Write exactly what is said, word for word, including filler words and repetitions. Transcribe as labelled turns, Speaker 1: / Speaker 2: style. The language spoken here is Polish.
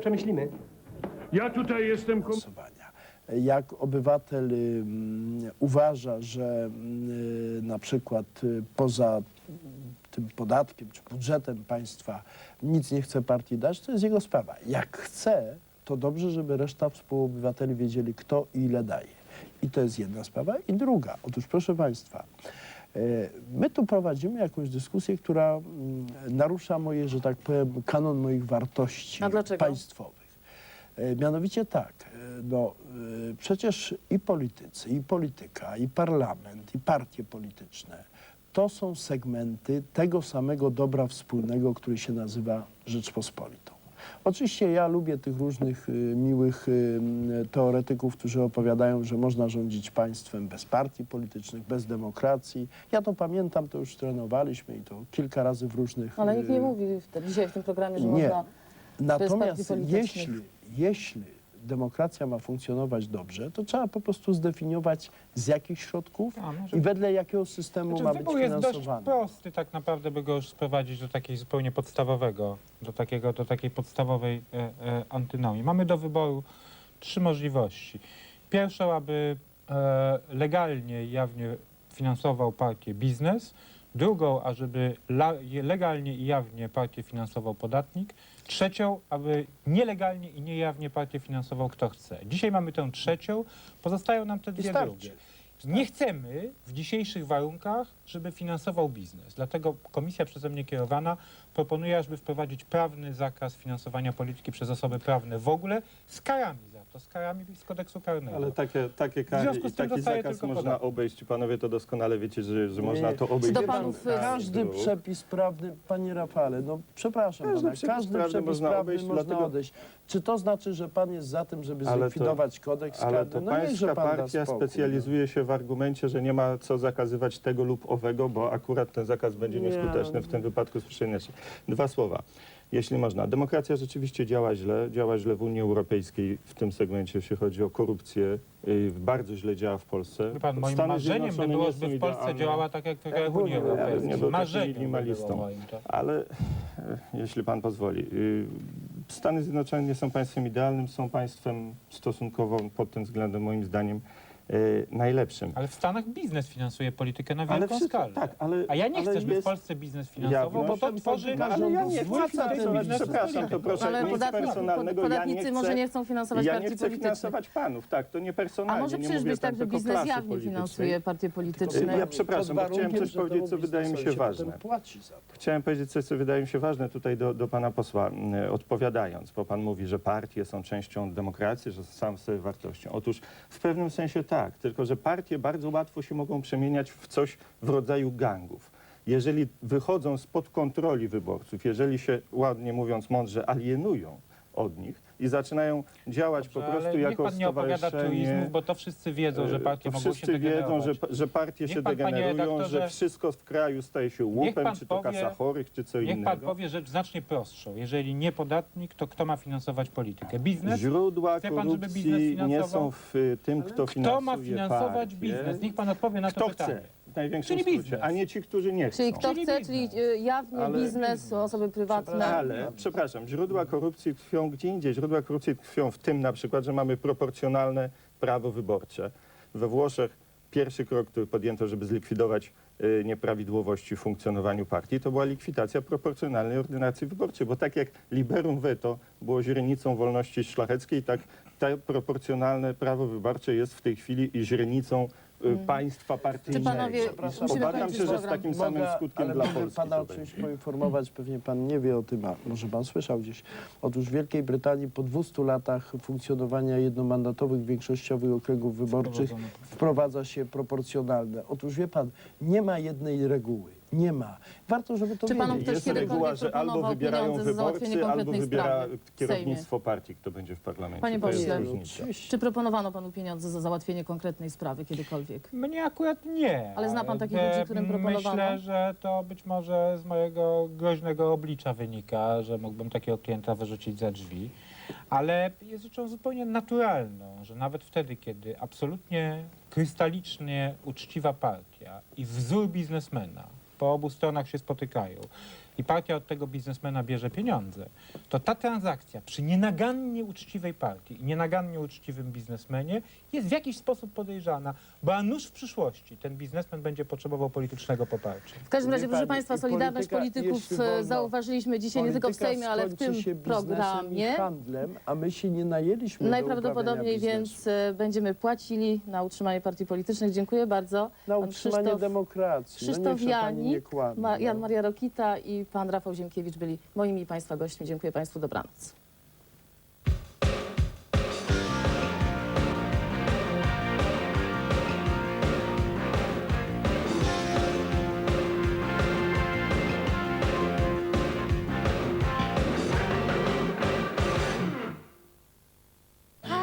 Speaker 1: Przemyślimy.
Speaker 2: Ja tutaj jestem... kom-
Speaker 3: głosowania. Jak obywatel y, uważa, że y, na przykład y, poza tym podatkiem czy budżetem państwa nic nie chce partii dać, to jest jego sprawa. Jak chce, to dobrze, żeby reszta współobywateli wiedzieli, kto i ile daje. I to jest jedna sprawa. I druga, otóż proszę państwa, y, my tu prowadzimy jakąś dyskusję, która y, narusza moje, że tak powiem, kanon moich wartości
Speaker 4: A dlaczego?
Speaker 3: państwowych. E, Mianowicie tak, e, no e, przecież i politycy, i polityka, i parlament, i partie polityczne to są segmenty tego samego dobra wspólnego, który się nazywa Rzeczpospolitą. Oczywiście ja lubię tych różnych y, miłych y, teoretyków, którzy opowiadają, że można rządzić państwem bez partii politycznych, bez demokracji. Ja to pamiętam, to już trenowaliśmy i to kilka razy w różnych...
Speaker 4: Ale nikt nie
Speaker 3: y,
Speaker 4: mówi w, dzisiaj w tym programie, że
Speaker 3: Nie.
Speaker 4: można...
Speaker 3: Natomiast
Speaker 4: partii politycznych.
Speaker 3: jeśli, jeśli demokracja ma funkcjonować dobrze, to trzeba po prostu zdefiniować z jakich środków
Speaker 5: A, może-
Speaker 3: i wedle jakiego systemu
Speaker 5: Znaczy,
Speaker 3: ma być
Speaker 5: wybór jest dość
Speaker 3: finansowany.
Speaker 5: prosty, tak naprawdę, by go już sprowadzić do takiej zupełnie podstawowego, do, takiego, do takiej podstawowej e, e, antynomii. Mamy do wyboru trzy możliwości. Pierwszą, aby e, legalnie i jawnie finansował partię biznes. Drugą, ażeby la, legalnie i jawnie partię finansował podatnik. Trzecią, aby nielegalnie i niejawnie partię finansował kto chce. Dzisiaj mamy tę trzecią, pozostają nam te
Speaker 3: I
Speaker 5: dwie
Speaker 3: starczy.
Speaker 5: drugie. Nie chcemy w dzisiejszych warunkach, żeby finansował biznes. Dlatego komisja przeze mnie kierowana proponuje, ażeby wprowadzić prawny zakaz finansowania polityki przez osoby prawne w ogóle z karami za to, z karami z kodeksu karnego.
Speaker 6: Ale takie, takie
Speaker 5: W
Speaker 6: kary
Speaker 5: związku
Speaker 6: i
Speaker 5: z tym
Speaker 6: taki
Speaker 5: dostaje
Speaker 6: zakaz
Speaker 5: tylko
Speaker 6: można
Speaker 5: podatek.
Speaker 6: obejść. Panowie to doskonale wiecie, że, że
Speaker 3: Nie,
Speaker 6: można
Speaker 3: nie.
Speaker 6: to
Speaker 3: Czy
Speaker 6: obejść.
Speaker 4: do
Speaker 6: bez
Speaker 4: panów,
Speaker 6: kasu.
Speaker 3: Każdy przepis prawny, panie Rafale, no przepraszam
Speaker 6: Każdy
Speaker 3: pana,
Speaker 6: przepis
Speaker 3: każdy
Speaker 6: prawny
Speaker 3: przepis
Speaker 6: można
Speaker 3: prawny
Speaker 6: obejść,
Speaker 3: można
Speaker 6: dlatego-
Speaker 3: odejść. Czy to znaczy, że pan jest za tym, żeby
Speaker 6: Ale to-
Speaker 3: zlikwidować kodeks
Speaker 6: Ale
Speaker 3: karny?
Speaker 6: to
Speaker 3: No niechże
Speaker 6: pańska
Speaker 3: pan da
Speaker 6: partia
Speaker 3: spokój,
Speaker 6: specjalizuje się w argumencie, że nie ma co zakazywać tego lub owego, bo akurat ten zakaz będzie
Speaker 3: Nie,
Speaker 6: nieskuteczny w tym wypadku słyszenia się. Dwa słowa, jeśli można. Demokracja rzeczywiście działa źle, działa źle w Unii Europejskiej w tym segmencie, jeśli chodzi o korupcję. Yy, bardzo źle działa w Polsce.
Speaker 5: Wie pan, moim
Speaker 6: Stany
Speaker 5: marzeniem by
Speaker 6: Zjednoczone
Speaker 5: było,
Speaker 6: nie są
Speaker 5: żeby w Polsce
Speaker 6: idealne.
Speaker 5: działała tak jak, tak
Speaker 3: Jak
Speaker 5: jak
Speaker 3: w
Speaker 5: w Unii
Speaker 3: Unii
Speaker 5: Europejskiej.
Speaker 6: Ja bym nie był takim
Speaker 5: Marzeniem by było
Speaker 6: minimalistą.
Speaker 5: moim, to.
Speaker 6: Ale e, jeśli pan pozwoli, y, Stany Zjednoczone nie są państwem idealnym, są państwem stosunkowo pod tym względem moim zdaniem e, najlepszym.
Speaker 5: Ale w Stanach biznes finansuje politykę na
Speaker 6: Ale
Speaker 5: wielką
Speaker 6: wszyscy-
Speaker 5: skalę.
Speaker 6: tak, ale-
Speaker 5: A ja nie
Speaker 6: ale
Speaker 5: chcę, żeby w
Speaker 6: jest
Speaker 5: Polsce biznes finansował, bo to
Speaker 6: jawność.
Speaker 5: tworzy...
Speaker 6: No, ale ja nie
Speaker 5: zły
Speaker 6: chcę
Speaker 5: wpływ
Speaker 6: finansować,
Speaker 5: biznesu
Speaker 6: przepraszam, to
Speaker 5: polityką.
Speaker 6: proszę,
Speaker 4: Ale
Speaker 6: nic
Speaker 4: podatnik,
Speaker 6: personalnego,
Speaker 4: podatnicy
Speaker 6: ja nie
Speaker 4: może
Speaker 6: chcę,
Speaker 4: nie chcą finansować
Speaker 6: ja
Speaker 4: partii
Speaker 6: nie chcę
Speaker 4: politycznych.
Speaker 6: finansować panów, tak, to nie personalnie,
Speaker 4: A może
Speaker 6: nie
Speaker 4: przecież
Speaker 6: mówię
Speaker 4: być tak,
Speaker 6: tam
Speaker 4: że
Speaker 6: tylko
Speaker 4: biznes
Speaker 6: klasy
Speaker 4: jawnie
Speaker 6: politycznej.
Speaker 4: finansuje partie polityczne?
Speaker 6: Ja przepraszam, bo
Speaker 3: Pod
Speaker 6: chciałem
Speaker 3: warunkiem,
Speaker 6: coś
Speaker 3: że
Speaker 6: powiedzieć,
Speaker 3: temu
Speaker 6: co wydaje mi się
Speaker 3: biznesowi
Speaker 6: ważne.
Speaker 3: potem płaci za to.
Speaker 6: Chciałem powiedzieć coś, co wydaje mi się ważne tutaj do, do pana posła, y, odpowiadając, bo pan mówi, że partie są częścią demokracji, że sam sobie wartością. Otóż w pewnym sensie tak, tylko że partie bardzo łatwo się mogą przemieniać w coś w rodzaju gangów. Jeżeli wychodzą spod kontroli wyborców, jeżeli się, ładnie mówiąc, mądrze alienują od nich i zaczynają działać
Speaker 5: Dobrze,
Speaker 6: po prostu
Speaker 5: ale
Speaker 6: jako
Speaker 5: niech pan nie opowiada
Speaker 6: stowarzyszenie.
Speaker 5: truizmów, bo to wszyscy wiedzą, że partie
Speaker 6: To
Speaker 5: mogą się
Speaker 6: wszyscy wiedzą,
Speaker 5: degenerować.
Speaker 6: że, że partie
Speaker 5: Niech
Speaker 6: się
Speaker 5: pan, panie
Speaker 6: degenerują,
Speaker 5: redaktorze-
Speaker 6: że wszystko w kraju staje się łupem,
Speaker 5: pan
Speaker 6: czy to
Speaker 5: powie-
Speaker 6: kasa chorych, czy co
Speaker 5: Niech
Speaker 6: innego.
Speaker 5: pan powie rzecz znacznie prostszą. Jeżeli nie podatnik, to kto ma finansować politykę? Biznes?
Speaker 6: Źródła
Speaker 5: Chce pan, żeby biznes
Speaker 6: korupcji nie
Speaker 5: finansował?
Speaker 6: są w y, tym, kto finansuje
Speaker 5: Kto ma finansować
Speaker 6: partię.
Speaker 5: biznes? Niech pan odpowie na to
Speaker 6: Kto
Speaker 5: pytanie.
Speaker 6: chce, w największym
Speaker 5: Czyli
Speaker 6: skrócie,
Speaker 5: biznes.
Speaker 6: a nie ci, którzy nie chcą.
Speaker 4: Czyli kto
Speaker 5: Czyli
Speaker 4: chce,
Speaker 5: biznes.
Speaker 4: czyli y, jawnie
Speaker 6: Ale
Speaker 4: biznes, osoby prywatne.
Speaker 6: Ale, przepraszam, źródła korupcji tkwią gdzie indziej. Źródła korupcji tkwią w tym na przykład, że mamy proporcjonalne prawo wyborcze. We Włoszech pierwszy krok, który podjęto, żeby zlikwidować y, nieprawidłowości w funkcjonowaniu partii, to była likwidacja proporcjonalnej ordynacji wyborczej, bo tak jak liberum veto było źrenicą wolności szlacheckiej, tak to proporcjonalne prawo wyborcze jest w tej chwili i źrenicą y, państwa partyjnego.
Speaker 4: Czy panowie-
Speaker 3: Przepraszam,
Speaker 4: musimy
Speaker 6: Obawiam
Speaker 4: kończyć
Speaker 6: się, że z
Speaker 4: program.
Speaker 6: takim samym
Speaker 3: Mogę,
Speaker 6: skutkiem
Speaker 3: ale
Speaker 6: dla
Speaker 3: mogę
Speaker 6: Polski
Speaker 3: pana
Speaker 6: to
Speaker 3: o czymś
Speaker 6: będzie.
Speaker 3: poinformować, pewnie pan nie wie o tym, a może pan słyszał gdzieś. Otóż w Wielkiej Brytanii po dwustu latach funkcjonowania jednomandatowych, większościowych okręgów wyborczych wprowadza się proporcjonalne. Otóż wie pan, nie ma jednej reguły. Nie ma. Warto, żeby to
Speaker 4: Czy panom
Speaker 3: wiedzieć.
Speaker 4: ktoś
Speaker 6: Jest
Speaker 4: kiedykolwiek
Speaker 6: reguła, że albo
Speaker 4: proponował
Speaker 6: wybierają
Speaker 4: pieniądze za załatwienie
Speaker 6: wyborcy, albo
Speaker 4: konkretnej
Speaker 6: wybiera
Speaker 4: sprawy w
Speaker 6: kierownictwo partii, kto będzie w parlamencie.
Speaker 4: Panie
Speaker 6: To jest
Speaker 4: pośle,
Speaker 6: różnica.
Speaker 4: Czy proponowano panu pieniądze za załatwienie konkretnej sprawy kiedykolwiek?
Speaker 5: Mnie akurat nie.
Speaker 4: Ale zna pan takich
Speaker 5: e,
Speaker 4: ludzi, którym proponowano?
Speaker 5: Myślę, że to być może z mojego groźnego oblicza wynika, że mógłbym takiego klienta wyrzucić za drzwi. Ale jest rzeczą zupełnie naturalną, że nawet wtedy, kiedy absolutnie krystalicznie uczciwa partia i wzór biznesmena po obu stronach się spotykają i partia od tego biznesmena bierze pieniądze, to ta transakcja przy nienagannie uczciwej partii i nienagannie uczciwym biznesmenie jest w jakiś sposób podejrzana, bo a nuż w przyszłości ten biznesmen będzie potrzebował politycznego poparcia.
Speaker 4: W każdym
Speaker 3: Wie
Speaker 4: razie, proszę
Speaker 3: pani,
Speaker 4: Państwa,
Speaker 3: i
Speaker 4: Solidarność
Speaker 3: polityka,
Speaker 4: Polityków
Speaker 3: jeśli wolno,
Speaker 4: e, zauważyliśmy dzisiaj nie tylko w
Speaker 3: Polityka
Speaker 4: Sejmie, ale w
Speaker 3: skończy
Speaker 4: tym
Speaker 3: się biznesem i
Speaker 4: programie.
Speaker 3: handlem, a my się nie najęliśmy
Speaker 4: Najprawdopodobniej
Speaker 3: do uprawiania biznesu.
Speaker 4: więc e, będziemy płacili na utrzymanie partii politycznych. Dziękuję bardzo.
Speaker 3: Na
Speaker 4: Pan
Speaker 3: utrzymanie
Speaker 4: Krzysztof-
Speaker 3: demokracji.
Speaker 4: Krzysztof
Speaker 3: no niech się pani nie
Speaker 4: Janik,
Speaker 3: kłamie,
Speaker 4: Ma, Jan
Speaker 3: no.
Speaker 4: Maria Rokita i pan Rafał Ziemkiewicz byli moimi i Państwa gośćmi. Dziękuję Państwu, dobranoc.